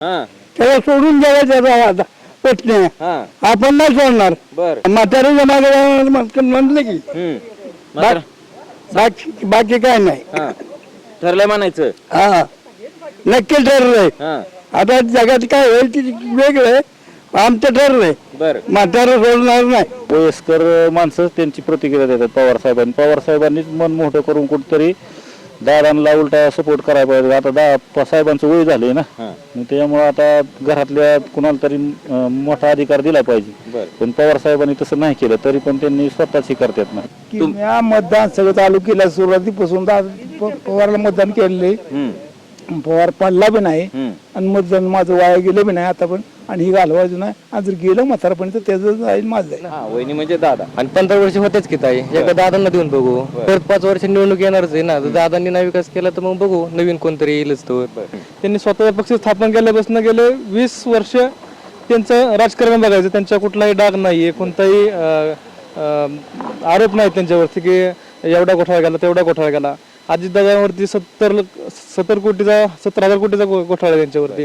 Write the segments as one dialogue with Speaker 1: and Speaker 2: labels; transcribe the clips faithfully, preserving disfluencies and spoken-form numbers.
Speaker 1: हा
Speaker 2: त्याला सोडून द्यायला त्याचा आता प्रश्न आहे.
Speaker 1: हा
Speaker 2: आपण नाही सोडणार.
Speaker 1: बर
Speaker 2: म्हातारे जमा म्हटलं की
Speaker 1: हम्म मात्र
Speaker 2: बाकी बाकी काय नाही.
Speaker 1: हा ठरलंय म्हणायचं.
Speaker 2: हा नक्की ठरलंय.
Speaker 1: हा
Speaker 2: आता जगात काय होईल ते वेगळं आहे. आमचं ठरलंय
Speaker 1: बर
Speaker 2: म्हातारे सोडणार नाही.
Speaker 3: वयस्कर माणसं त्यांची प्रतिक्रिया देतात पवार साहेबांनी. पवार साहेबांनीच मन मोठं करून कुठतरी दादांना उलटा सपोर्ट करायला पाहिजे. आता दा साहेबांचं वय झालंय ना,
Speaker 1: हा
Speaker 3: मग त्यामुळे आता घरातल्या कुणाला तरी अं, मोठा अधिकार दिला पाहिजे.
Speaker 1: बर
Speaker 3: पण पवार साहेबांनी तसं नाही केलं तरी पण त्यांनी स्वतःच हे करतात ना.
Speaker 2: की मी मतदान सगळं चालू केलं सुरुवातीपासून दा- प- पवारला मतदान केलेले.
Speaker 1: हम्म
Speaker 2: पवार पडला बी नाही
Speaker 1: हम्म
Speaker 2: आणि मतदान माझं वाया गेलं बी नाही आता पण. आणि ही घालवायचं नाही. आणि जर गेलं म्हातारपण तर त्याचं जाईल माझं जाईल.
Speaker 1: हा वहिनी म्हणजे दादा.
Speaker 4: आणि पंधरा वर्ष होतेच की ताई, एका दादांना देऊन बघू. परत पाच वर्ष निवडणूक येणारच आहे ना, जर दादांनी नाही विकास केला तर मग बघू नवीन कोणतरी येईलच तो.
Speaker 5: त्यांनी स्वतःचा पक्ष स्थापन केल्यापासून गेले वीस वर्ष त्यांचं राजकारण बघायचं. त्यांचा कुठलाही डाग नाहीये, कोणताही अं, अं, आरोप नाही त्यांच्यावरती की एवढा घोटाळा गेला तेवढा घोटाळा गेला. अजितदादांवरती सत्तर सत्तर कोटीचा सत्तर हजार कोटीचा घो- घोटाळा आहे त्यांच्यावरती.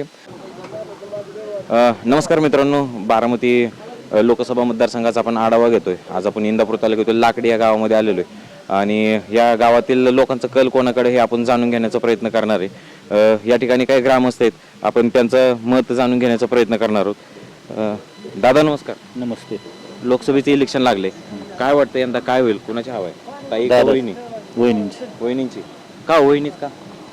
Speaker 1: अ, नमस्कार मित्रांनो, बारामती अ, लोकसभा मतदारसंघाचा आपण आढावा घेतोय. आज आपण इंदापूर तालुक्यातील लाकडी या गावामध्ये आलेलो आहे आणि या गावातील लोकांचा कल कोणाकडे हे आपण जाणून घेण्याचा प्रयत्न करणार आहे. अ, या ठिकाणी काही ग्रामस्थ आहेत, आपण त्यांचं मत जाणून घेण्याचा प्रयत्न करणार आहोत. अ, दादा नमस्कार.
Speaker 3: नमस्ते.
Speaker 1: लोकसभेचे इलेक्शन लागले, काय वाटतं यंदा काय होईल, कुणाची हवा आहे? ताई का
Speaker 3: दादा.
Speaker 1: वहिनी?
Speaker 3: वहिनींची
Speaker 1: वहिनींची का? वहिनीच का?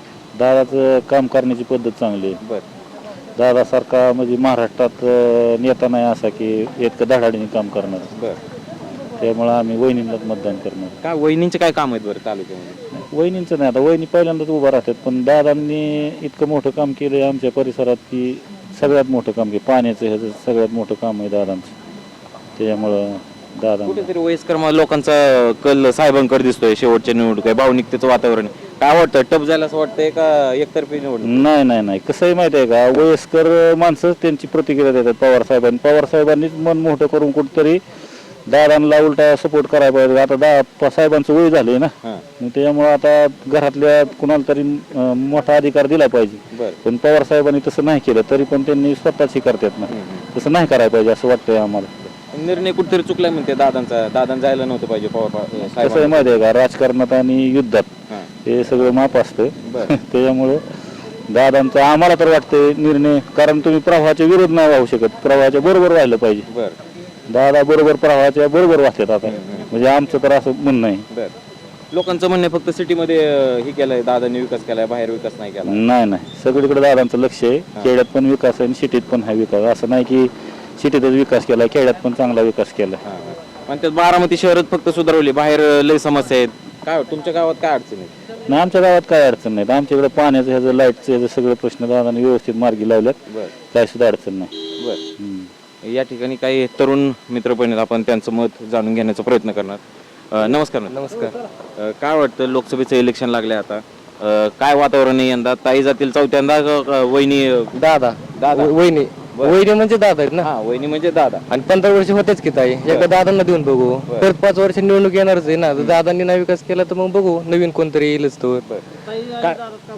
Speaker 3: दादाचं काम करण्याची पद्धत चांगली आहे.
Speaker 1: बर
Speaker 3: दादासारखा म्हणजे महाराष्ट्रात अं, नेता नाही असा की इतकं धडाडीने काम करणार.
Speaker 1: बर
Speaker 3: त्यामुळे आम्ही वहिनींनाच मतदान करणार.
Speaker 1: का वहिनींचे काय काम आहेत बरं तालुक्यामध्ये?
Speaker 3: वहिनींचं नाही, आता वहिनी पहिल्यांदाच उभा राहतात, पण दादांनी इतकं मोठं काम केलं आहे आमच्या परिसरात की सगळ्यात मोठं काम केलं. पाण्याचं ह्याचं सगळ्यात मोठं काम आहे दादांचं. त्याच्यामुळं दादा
Speaker 1: कुठेतरी वयस्कर म- लोकांचा कल साहेबांकडे दिसतोय. शेवटच्या निवडणूक आहे, भावनिकतेचं वातावरण आहे. काय वाटतं, टप जायला असं वाटतंय का एकतर्फी निवडणूक?
Speaker 3: नाही नाही नाही कसं आहे माहिती आहे का, वयस्कर माणसं त्यांची प्रतिक्रिया देतात पवार साहेबांनी. पवार साहेबांनीच मन मोठं करून कुठतरी दादांना उलटा सपोर्ट करायला पाहिजे. आता दा साहेबांचं वय झालंय ना,
Speaker 1: हां
Speaker 3: मग त्यामुळे आता घरातल्या कुणाला तरी अं, मोठा अधिकार दिला पाहिजे.
Speaker 1: बर
Speaker 3: पण पवार साहेबांनी तसं नाही केलं तरी पण त्यांनी स्वतःच हे करतात ना. तसं नाही करायला पाहिजे असं वाटतंय आम्हाला.
Speaker 1: निर्णय कुठेतरी चुकलाय म्हणते दादांचा. दादां जायला नव्हतं पाहिजे पवार पा-
Speaker 3: कसं आहे
Speaker 1: साहेबांना.
Speaker 3: माहिती आहे का, राजकारणात आणि युद्धात
Speaker 1: हां
Speaker 3: हे सगळं माप असतं.
Speaker 1: बर
Speaker 3: त्याच्यामुळं दादांचा आम्हाला तर वाटतंय निर्णय, कारण तुम्ही प्रवाहाच्या विरोध नाही वाहू शकत, प्रवाहाच्या बरोबर राहिलं पाहिजे.
Speaker 1: बर
Speaker 3: दादा बरोबर प्रवाहाच्या बरोबर वाहतात आता, म्हणजे आमचं तर असं म्हणणं आहे.
Speaker 1: बर लोकांचं म्हणणं आहे फक्त सिटीमध्ये अं, हे केलंय दादांनी विकास केलाय, बाहेर विकास नाही केला.
Speaker 3: नाही नाही सगळीकडे दादांचं लक्ष आहे. खेड्यात पण विकास आहे आणि सिटीत पण आहे विकास. असं नाही की सिटीतच विकास केला, खेड्यात पण चांगला विकास केला.
Speaker 1: हां हां. पण त्यात बारामती शहरात फक्त सुधारवली, बाहेर अं, लय समस्या आहेत. काय वाटतं, तुमच्या गावात काय अडचण आहे?
Speaker 3: नाही आमच्या गावात काय अडचण नाही. आमच्याकडे पाण्याचं ह्याचं लाईटचं ह्याचं सगळे प्रश्न दादांनी व्यवस्थित मार्गी लावल्यात.
Speaker 1: बर
Speaker 3: काय सुद्धा अडचण नाही.
Speaker 1: बर
Speaker 3: हम्म.
Speaker 1: या ठिकाणी काही तरुण मित्र पण आहेत, आपण त्यांचं मत जाणून घेण्याचा प्रयत्न करणार. अं, नमस्कार मित्र.
Speaker 4: नमस्कार.
Speaker 1: अं, काय वाटतं, लोकसभेचं इलेक्शन लागले आता, अं, काय वातावरण आहे यंदा? ताई जातील चौथ्यांदा का- का वहिनी?
Speaker 4: दादा
Speaker 1: दादा.
Speaker 4: व- वहिनी वहिनी म्हणजे दादा आहेत ना.
Speaker 1: हा वहिनी म्हणजे दादा.
Speaker 4: आणि पंधरा वर्ष होतेच की ताई, एका दादांना देऊन बघू. परत पाच वर्ष निवडणूक येणारच आहे ना, जर दादांनी नाही विकास केला तर मग बघू नवीन कोणतरी येईलच तो. काय-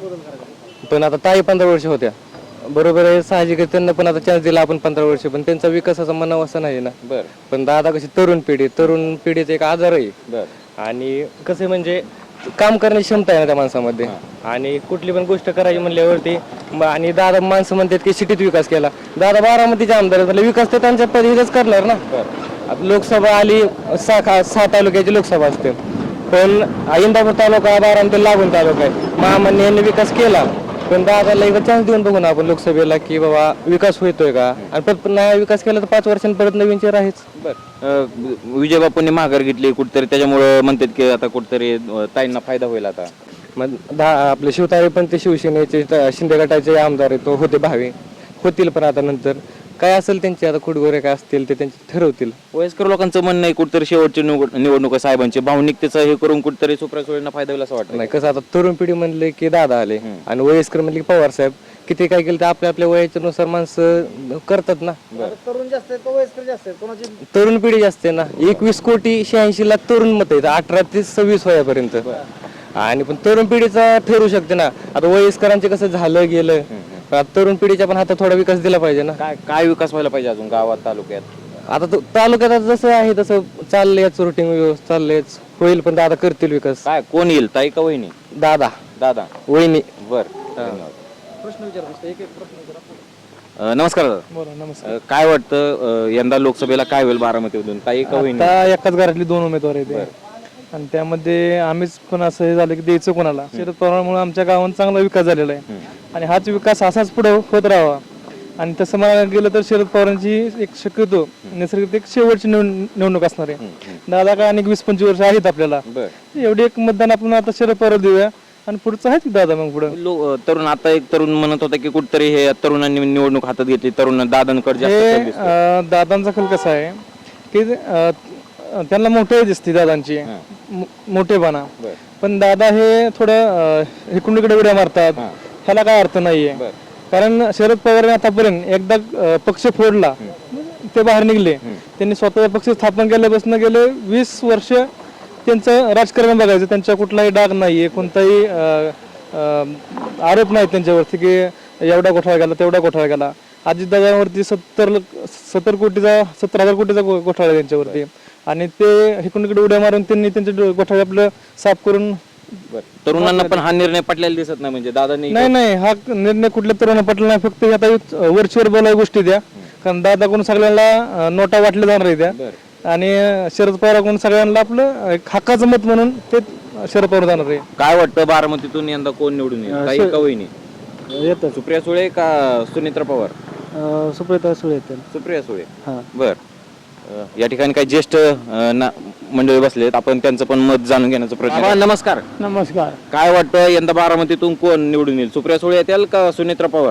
Speaker 4: पण आता ताई पंधरा वर्ष होत्या, बरोबर आहे, साहजिक आहे, त्यांना पण आता चान्स दिला आपण पंधरा वर्ष, पण त्यांचा विकासाचा मनाव असा नाही ना.
Speaker 1: बर
Speaker 4: पण दादा कशी तरुण पिढी, तरुण पिढीचा एक आजार आहे.
Speaker 1: बर
Speaker 4: आणि कसं म्हणजे काम करण्याची क्षमता आहे ना त्या माणसामध्ये. आणि कुठली पण गोष्ट करायची म्हणल्यावरती म- आणि दादा माणसं म्हणतात की सिटीत विकास केला. दादा बारामतीचे आमदार आहेत, म्हणजे विकास तर त्यांच्या पद्धतीनेच करणार ना. आता लोकसभा आली, सहा खा- सहा तालुक्याची लोकसभा असते, पण इंदापूर तालुका बारामती लागून तालुका आहे. महामान्य यांनी विकास केला, पण दादाला एकदा चान्स देऊन बघू ना आपण लोकसभेला की बाबा विकास होतोय का. आणि परत नाही विकास केला तर पाच वर्षांनी परत नवीन चेहरा आहेच.
Speaker 1: बर विजय बापूंनी माघार घेतली कुठतरी, त्याच्यामुळे म्हणतात की आता कुठतरी अं, ताईंना फायदा होईल आता.
Speaker 4: मग दहा आपले शिवतारे पण ते शिवसेनेचे त- शिंदे गटाचे आमदार आहेत, तो होते भावे होतील, पण आता नंतर काय असेल त्यांचे आता खुडगोरे काय असतील ते त्यांचे ठरवतील.
Speaker 1: वयस्कर लोकांचं म्हणणं आहे कुठतरी शेवटची निवड- निवडणूक आहे साहेबांची, भावनिकतेचं हे करून कुठतरी सुप्रिया सुळेंना फायदा होईल असं वाटतं.
Speaker 4: नाही कसं आता तरुण पिढी म्हणले की दादा आले आणि वयस्कर म्हणले की पवार साहेब. किती काय केलं तर आपल्या आपल्या वयाच्या नुसार माणसं करतात ना.
Speaker 2: तरुण जास्त आहेत का वयस्कर जास्त आहेत, कोणाची
Speaker 4: तरुण पिढी जास्त आहे ना. एकवीस कोटी शहाऐंशी लाख तरुण मत आहेत अठरा ते सव्वीस वयापर्यंत. आणि पण तरुण पिढीचा ठरू शकते ना. आता वयस्करांचे कसं झालं गेलं, आता तरुण पिढीच्या पण हातात थोडा विकास दिला पाहिजे ना.
Speaker 1: काय काय विकास व्हायला पाहिजे अजून गावात तालुक्यात?
Speaker 4: आता तो- तालुक्यात आता जसं आहे तसं चाललंयच, रुटीन व्यवस्थित चाललंयच, होईल पण दादा करतील विकास.
Speaker 1: काय कोण येईल, ताई का वहिनी?
Speaker 4: दादा
Speaker 1: दादा.
Speaker 4: वहिनी.
Speaker 1: बर धन्यवाद. अ, नमस्कार दादा.
Speaker 5: बोला नमस्कार.
Speaker 1: अ, काय वाटतं अ, यंदा लोकसभेला काय होईल बारामतीमधून, ताई का वहिनी?
Speaker 5: आता एकाच घरातली दोन उमेदवार आहेत आणि त्यामध्ये आम्हीच पण असं हे झालं की द्यायचं कोणाला. शरद पवारांमुळे आमच्या गावात चांगला विकास झालेला आहे आणि हाच विकास असाच पुढे होत राहावा. आणि तसं मला गेलं तर शरद पवारांची एक शक्यतो नैसर्गिक एक शेवटची निवड- निवडणूक असणार आहे. दादा काय अनेक वीस पंचवीस वर्ष आहेत आपल्याला,
Speaker 1: बर.
Speaker 5: एवढी एक मतदान आपण आता शरद पवार देऊया आणि पुढचं आहे की दादा मग पुढे.
Speaker 1: लो- तरुण आता एक तरुण म्हणत होता की कुठतरी हे तरुणांनी निवडणूक हातात घेतली, तरुण दादांकडे जास्त
Speaker 5: हे
Speaker 1: कल दिसतोय.
Speaker 5: अं, दादांचा कल कसा आहे की अं, त्यांना मोठे दिसते दादांची मो- मोठेपणा,
Speaker 1: बर.
Speaker 5: पण दादा हे थोडं अं, इकडून इकडे उड्या मारतात. ह्याला काय अर्थ नाहीये.
Speaker 1: बर.
Speaker 5: कारण शरद पवार आतापर्यंत एकदा अं, पक्ष फोडला ते बाहेर निघले. त्यांनी स्वतःचा पक्ष स्थापन केल्यापासून गेले वीस वर्ष त्यांचं राजकारण बघायचं. त्यांच्या कुठलाही डाग नाहीये, कोणताही अं, अं, आरोप नाही त्यांच्यावरती की एवढा घोटाळा गेला तेवढा घोटाळा गेला. अजितदादांवरती सत्तर सत्तर कोटीचा सत्तर हजार कोटीचा घो- घोटाळा आहे त्यांच्यावरती आणि ते इकडून इकडे उड्या मारून त्यांनी त्यांचे डो- घोटाळे आपलं साफ करून.
Speaker 1: बर. तरुणांना पण हा निर्णय पटलेला दिसत नाही, म्हणजे दादांनी
Speaker 5: नाही नाही हा निर्णय कुठल्या तरुण पटला नाही. फक्त आता वरचीवर बोलाय गोष्टी द्या, कारण दादाकडून सगळ्यांना अं, नोटा वाटल्या जाणार आहे त्या
Speaker 1: बर.
Speaker 5: आणि शरद पवाराकडून सगळ्यांना आपलं एक हक्काचं मत म्हणून ते शरद पवार जाणार आहे.
Speaker 1: काय वाटतं बारामतीतून यंदा कोण निवडून येईल, ताई का वहिनी?
Speaker 2: येतं
Speaker 1: सुप्रिया सुळे का सुनित्रा पवार?
Speaker 2: सुप्रिया सुळे येतं.
Speaker 1: सुप्रिया सुळे.
Speaker 2: हा.
Speaker 1: बर. अ, या ठिकाणी काही ज्येष्ठ अ, ना- मंडळी बसलेत, आपण त्यांचं पण मत जाणून घेण्याचा प्रयत्न करू. नमस्कार.
Speaker 2: नमस्कार.
Speaker 1: काय वाटतं यंदा बारामतीतून कोण निवडून येईल, सुप्रिया सुळे येतील का सुनित्रा पवार?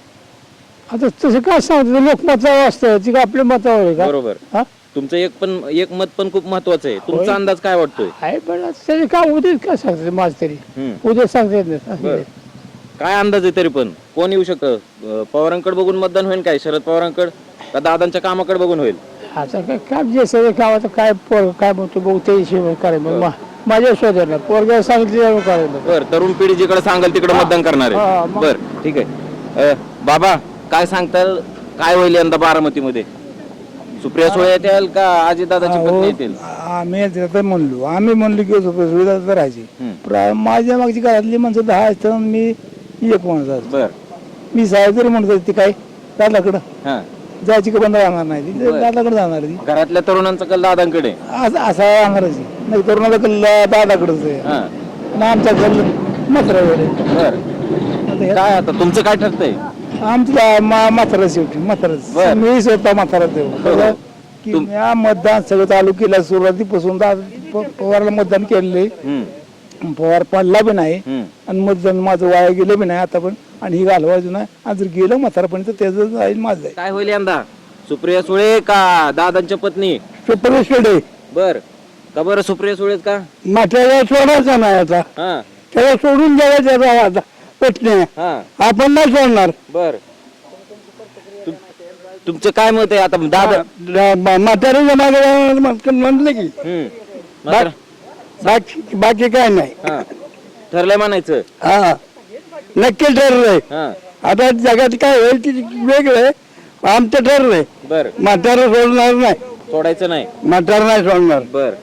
Speaker 2: आता तसं काय सांगतो, लोकमतावर असतं ती आपल्या मतावर आहे का?
Speaker 1: बरोबर.
Speaker 2: हा?
Speaker 1: तुमचं एक पण एक मत पण खूप महत्वाचं आहे. तुमचा अंदाज काय वाटतोय?
Speaker 2: आहे पण आता त्याचे काय उद्या काय सांगते माझ तरी
Speaker 1: हम्म.
Speaker 2: उद्या सांगता येत नाही.
Speaker 1: बरं. काय अंदाज आहे तरी पण कोण येऊ शकतं? अ, पवारांकडे बघून मतदान होईल काय, शरद पवारांकडे का दादांच्या कामाकडे बघून होईल?
Speaker 2: आता काय काम जे सगळं काम आता काय पोर काय म्हणतो बघू ते हिशोब करायचं मग मा- माझ्या शोधायला पोरगा सांगितलं करायला.
Speaker 1: बर. तरुण पिढी जिकडे सांगाल तिकडे मतदान करणार
Speaker 2: हा,
Speaker 1: आहे.
Speaker 2: मग.
Speaker 1: बर ठीक आहे. अ, बाबा काय सांगताल, काय होईल यंदा बारामतीमध्ये? सुप्रिया सुळे येतील का अजितदादाची पत्नी येतील?
Speaker 2: आम्ही तर म्हणलो आम्ही म्हणलो की सुविधा तर राहायची.
Speaker 1: हम्म.
Speaker 2: प्रा- माझ्या मागची घरातली माणसं दहा असतात मी एक माणूस असतो.
Speaker 1: बर.
Speaker 2: मी साहेब जरी म्हणतो ती काय दादाकडं
Speaker 1: हा.
Speaker 2: जायची का बंद राहणार नाही ती
Speaker 1: बरं.
Speaker 2: दादाकडे जाणार ती
Speaker 1: घरातल्या तरुणांचा कल दादांकडे.
Speaker 2: असं असा राहणारच आहे. नाही तरुणाला कल्ला दादाकडेच आहे
Speaker 1: हा.
Speaker 2: ना आमचा कल मात्र
Speaker 1: बर. काय आता तुमचं काय ठरतंय?
Speaker 2: आमचं म्हातारा शेवटी म्हाताराच
Speaker 1: बरं.
Speaker 2: मी स्वतः म्हातारा देऊ
Speaker 1: हो.
Speaker 2: की या मतदान सगळं चालू केलं सुरुवातीपासून दा- प- पवारला मतदान केलेलं
Speaker 1: हम्म.
Speaker 2: पवार पडला बी नाही
Speaker 1: हम्म.
Speaker 2: आणि मतदान माझं वाया गेलं बी नाही आता पण आणि ही घालवायचं नाही आणि जर गेलं म्हातारापर्यंत त्याचं जाईल माझं जाईल.
Speaker 1: काय होईल यंदा, सुप्रिया सुळे का दादांच्या पत्नी?
Speaker 2: पेपरेकडे
Speaker 1: बर. का बरं सुप्रिया सुळेच का?
Speaker 2: म्हाताऱ्याला सोडायचं नाही आता
Speaker 1: हा.
Speaker 2: त्याला सोडून द्यायचं आता पटणे
Speaker 1: हा.
Speaker 2: आपण नाही सोडणार.
Speaker 1: बर. तुम- तुमचं काय मत आहे आता दादा?
Speaker 2: म्हाताऱ्याच्या मागे म्हटलं की
Speaker 1: हम्म. मात्र-
Speaker 2: बाकी बाकी काय नाही.
Speaker 1: हा. ठरलंय म्हणायचं.
Speaker 2: हा नक्की ठरलंय.
Speaker 1: हा.
Speaker 2: आता जगात काय होईल ते वेगळं आमचं ठरलंय.
Speaker 1: बर.
Speaker 2: म्हातारा सोडणार नाही.
Speaker 1: सोडायचं नाही.
Speaker 2: म्हातारा नाही सोडणार.
Speaker 1: बर.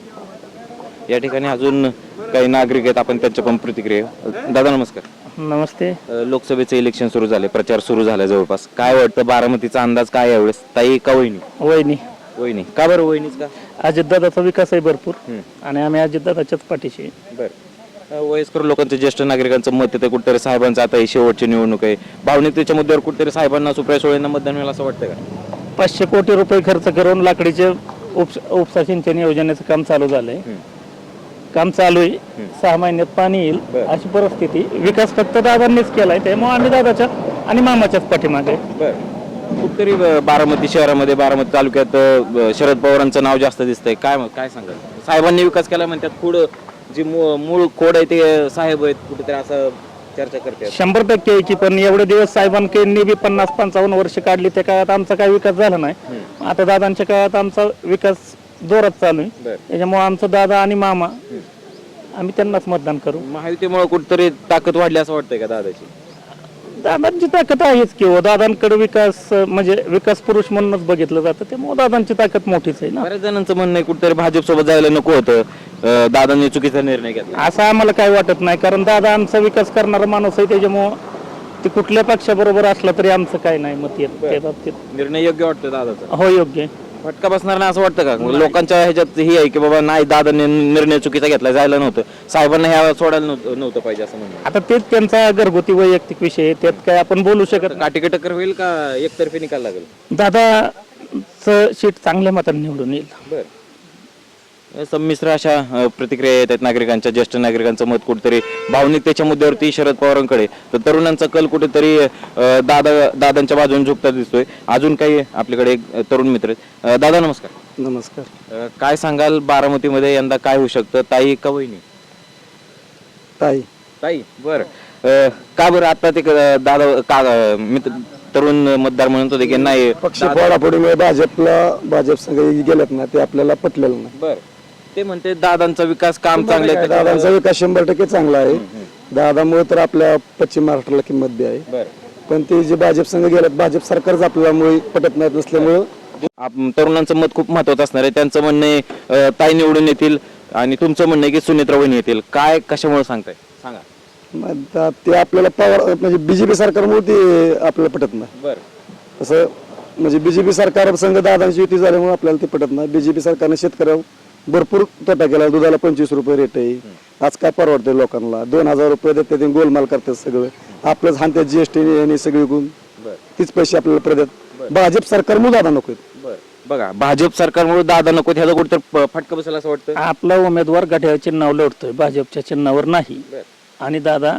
Speaker 1: या ठिकाणी अजून काही नागरिक आहेत, आपण त्यांच्या पण प्रतिक्रिया. दादा नमस्कार.
Speaker 5: नमस्ते.
Speaker 1: अ, लोकसभेचे इलेक्शन सुरू झाले, प्रचार सुरू झाला जवळपास. काय वाटतं बारामतीचा अंदाज काय आहे यावेळेस, ताई का वहिनी?
Speaker 5: वहिनी.
Speaker 1: वहिनी. का बरं वहिनीच का?
Speaker 5: अजितदादाचा विकास आहे भरपूर
Speaker 1: हम्म.
Speaker 5: आणि आम्ही अजितदादाच्याच पाठीशी आहे.
Speaker 1: बर. अ, वयस्कर लोकांचं, ज्येष्ठ नागरिकांचं मत येतं कुठेतरी साहेबांचं, आता ही शेवटची निवडणूक आहे, भावनिकतेच्या मुद्द्यावर कुठेतरी साहेबांना, सुप्रिया सुळेंना मतदान मिळेल असं वाटतं का?
Speaker 5: पाचशे कोटी रुपये खर्च करून लाकडीचे उपसा उपसा सिंचन योजनेचं काम चालू झालंय.
Speaker 1: हम्म.
Speaker 5: काम चालू आहे, सहा महिन्यात पाणी येईल
Speaker 1: बरं.
Speaker 5: अशी परिस्थिती. विकास फक्त दादांनीच केलाय, त्यामुळे आम्ही दादाच्या आणि मामाच्याच पाठीमागे.
Speaker 1: बर. कुठेतरी अ, बारामती शहरामध्ये, बारामती तालुक्यात अ, शरद पवारांचं नाव जास्त दिसतंय. काय काय सांगाल? साहेबांनी विकास केला म्हणतात, पुढं जी मू- मूळ खोड आहे ते साहेब आहेत, कुठेतरी असं चर्चा करते.
Speaker 5: शंभर टक्के आहे की, पण एवढे दिवस साहेबांकडनी बी पन्नास पंचावन्न वर्ष काढली, त्या काळात आमचा काही विकास झाला नाही. आता दादांच्या काळात आमचा विकास जोरात चालू आहे.
Speaker 1: बरं.
Speaker 5: त्याच्यामुळे आमचं दादा आणि मामा आम्ही त्यांनाच मतदान करू.
Speaker 1: महायुतीमुळे कुठेतरी ताकद वाढली असं वाटतंय का दादाची?
Speaker 3: दादांची ताकद आहेच की हो. दादांकडे विकास अं, म्हणजे विकास पुरुष म्हणूनच बघितलं जातं, त्यामुळे दादांची ताकद मोठीच आहे ना.
Speaker 1: बऱ्याच जणांचं म्हणणं आहे कुठेतरी भाजप सोबत जायला नको होतं, अं, दादांनी चुकीचा निर्णय घेतला.
Speaker 3: असं आम्हाला काही वाटत नाही, कारण दादा आमचा विकास करणारा माणूस आहे, त्याच्यामुळं ते कुठल्या पक्षाबरोबर असला तरी आमचं काही नाही मत येत त्या बाबतीत.
Speaker 1: निर्णय योग्य वाटतो दादाचा?
Speaker 3: हो, योग्य आहे.
Speaker 1: फटका बसणार नाही असं वाटतं का? लोकांच्या ह्याच्यात ही आहे की बाबा नाही, दादांनी निर्णय चुकीचा घेतला, जायला नव्हतं, साहेबांना ह्या सोडायला नव्हतं नव्हतं पाहिजे असं म्हणणं.
Speaker 3: आता तेच त्यांचा घरगुती वैयक्तिक विषय आहे, त्यात काय आपण बोलू शकत नाही.
Speaker 1: काटेकी टक्कर होईल का एकतर्फी निकाल लागेल?
Speaker 3: दादाचं सीट चांगल्या मताने निवडून येईल.
Speaker 1: बर, संमिश्र अशा अ, प्रतिक्रिया येत आहेत नागरिकांच्या. ज्येष्ठ नागरिकांचं मत कुठेतरी भावनिकतेच्या मुद्द्यावरती शरद पवारांकडे, तर तरुणांचा कल कुठेतरी अ, दादा दादांच्या बाजूने झुकता दिसतोय. अजून काही आपल्याकडे एक अ, तरुण मित्र आहेत. अ, दादा नमस्कार.
Speaker 2: नमस्कार.
Speaker 1: अ, काय सांगाल, बारामतीमध्ये यंदा काय होऊ शकतं, ताई का वहिनी?
Speaker 2: ताई.
Speaker 1: ताई. बर, का बरं आता ते क- दादा का अ, मित्र तरुण मतदार म्हणत होते की नाही
Speaker 2: पक्ष फोडाफोडीमुळे भाजपला भाजप संघ गेलेत ना, ते आपल्याला पटलेलं नाही.
Speaker 1: बर, ते म्हणते दादांचा विकास काम चांगलं आहे,
Speaker 2: दादांचा विकास शंभर टक्के चांगला आहे. दादामुळे तर आपल्या पश्चिम महाराष्ट्राला किंमत बी आहे.
Speaker 1: बर,
Speaker 2: पण ते जे भाजप संघ गेल्यात, भाजप सरकारच आपल्यामुळे पटत नाही नसल्यामुळं
Speaker 1: आप- तरुणांचं मत खूप महत्वाचं असणार आहे. त्यांचं म्हणणं आहे अ, ताई निवडून येतील, आणि तुमचं म्हणणं आहे की सुनेत्रा वहिनी येतील. काय कशामुळे सांगताय सांगा?
Speaker 2: मग आता ते आपल्याला पवार म्हणजे बीजेपी सरकारमुळे ते आपल्याला पटत नाही.
Speaker 1: बर,
Speaker 2: असं म्हणजे बीजेपी सरकार संघ दादांची युती झाल्यामुळे आपल्याला ते पटत नाही. बीजेपी सरकारने शेतकऱ्यावर भरपूर तोटा केला. दुधाला पंचवीस रुपये रेट आहे. आज काय परवडते लोकांना? दोन हजार रुपये देते, ते गोलमाल करतात सगळं. आपलंच हानत्यात जीएसटी आणि सगळी गुण
Speaker 1: बर,
Speaker 2: तीच पैसे आपल्याला प्रदेत. भाजप सरकारमुळे दादा नको.
Speaker 1: बर. बघा, भाजप सरकारमुळे दादा नको, ह्याचा कुठेतरी फटका बसेल असं वाटतं.
Speaker 3: आपला उमेदवार घड्याळ चिन्हावर लढतोय, भाजपच्या चिन्हावर नाही.
Speaker 1: बर,
Speaker 3: आणि दादा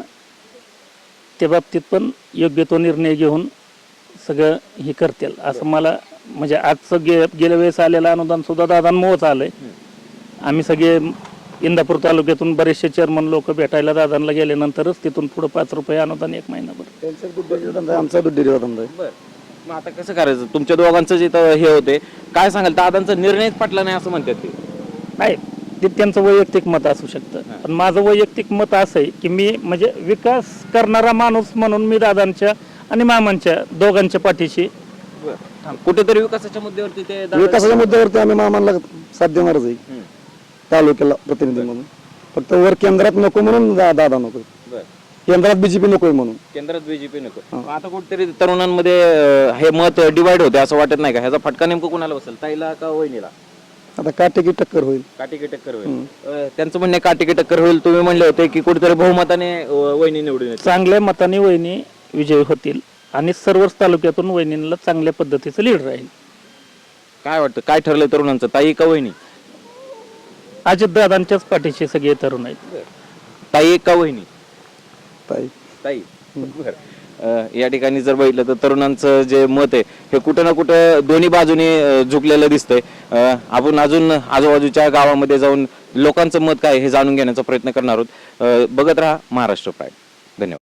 Speaker 3: त्या बाबतीत पण योग्य तो निर्णय घेऊन सगळं हे करतील असं मला, म्हणजे आजचं गे गेल्या वेळेस आलेलं अनुदान सुद्धा दादांमुळेच आलंय. आम्ही सगळे इंदापूर तालुक्यातून बरेचसे चेअरमन लोक भेटायला दादांना गेल्यानंतरच तिथून पुढे पाच रुपये अनुदान एक महिनाभर.
Speaker 2: त्यांचा दुधडेरी धंदा आहे, आमचा दुधडेरी धंदा आहे.
Speaker 1: बर. मग आता कसं करायचं? तुमच्या दोघांचं जे इथं हे होते, काय सांगाल? दादांचा निर्णयच पटला नाही असं म्हणतात ते.
Speaker 3: नाही, ते त्यांचं वैयक्तिक मत असू शकतं, पण माझं वैयक्तिक मत असं आहे की मी म्हणजे विकास करणारा माणूस म्हणून मी दादांच्या आणि मामांच्या दोघांच्या पाठीशी.
Speaker 1: कुठेतरी विकासाच्या मुद्द्यावरती ते दादा-
Speaker 2: विकासाच्या मुद्द्यावरती आम्ही मामांना साथ देणारच आहे, तालुक्याला प्रतिनिधी म्हणून. फक्त वर केंद्रात नको म्हणून दा- दादा नको,
Speaker 1: बर,
Speaker 2: केंद्रात बीजेपी नकोय म्हणून.
Speaker 1: केंद्रात बीजेपी नको. मग आता कुठेतरी तरुणांमध्ये अ, हे मत डिवाइड होते असं वाटत नाही का? ह्याचा फटका नेमकं कोणाला बसेल, ताईला का वहिनीला?
Speaker 2: आता काटेकी टक्कर होईल.
Speaker 1: काटेकी टक्कर होईल. अ, त्यांचं म्हणणे काटेकी टक्कर होईल. तुम्ही म्हणले होते की कुठेतरी बहुमताने अ, वहिनी निवडून येते.
Speaker 3: चांगल्या मताने वहिनी विजयी होतील आणि सर्वच तालुक्यातून वहिनीला चांगल्या पद्धतीचं लीड राहील.
Speaker 1: काय वाटतं, काय ठरलंय तरुणांचं, ताई का वहिनी?
Speaker 3: अजितदादांच्याच पाठीशी सगळे तरुण आहेत.
Speaker 1: ताई का वहिनी?
Speaker 2: ताई.
Speaker 1: ताई. बरं. अ, या ठिकाणी जर बघितलं तर तरुणांचं जे मत आहे हे कुठं ना कुठं दोन्ही बाजूने अ, झुकलेलं दिसतंय. अ, आपण अजून आजूबाजूच्या गावामध्ये जाऊन लोकांचं मत काय हे जाणून घेण्याचा प्रयत्न करणार आहोत. अ, बघत राहा महाराष्ट्र प्राईड. धन्यवाद.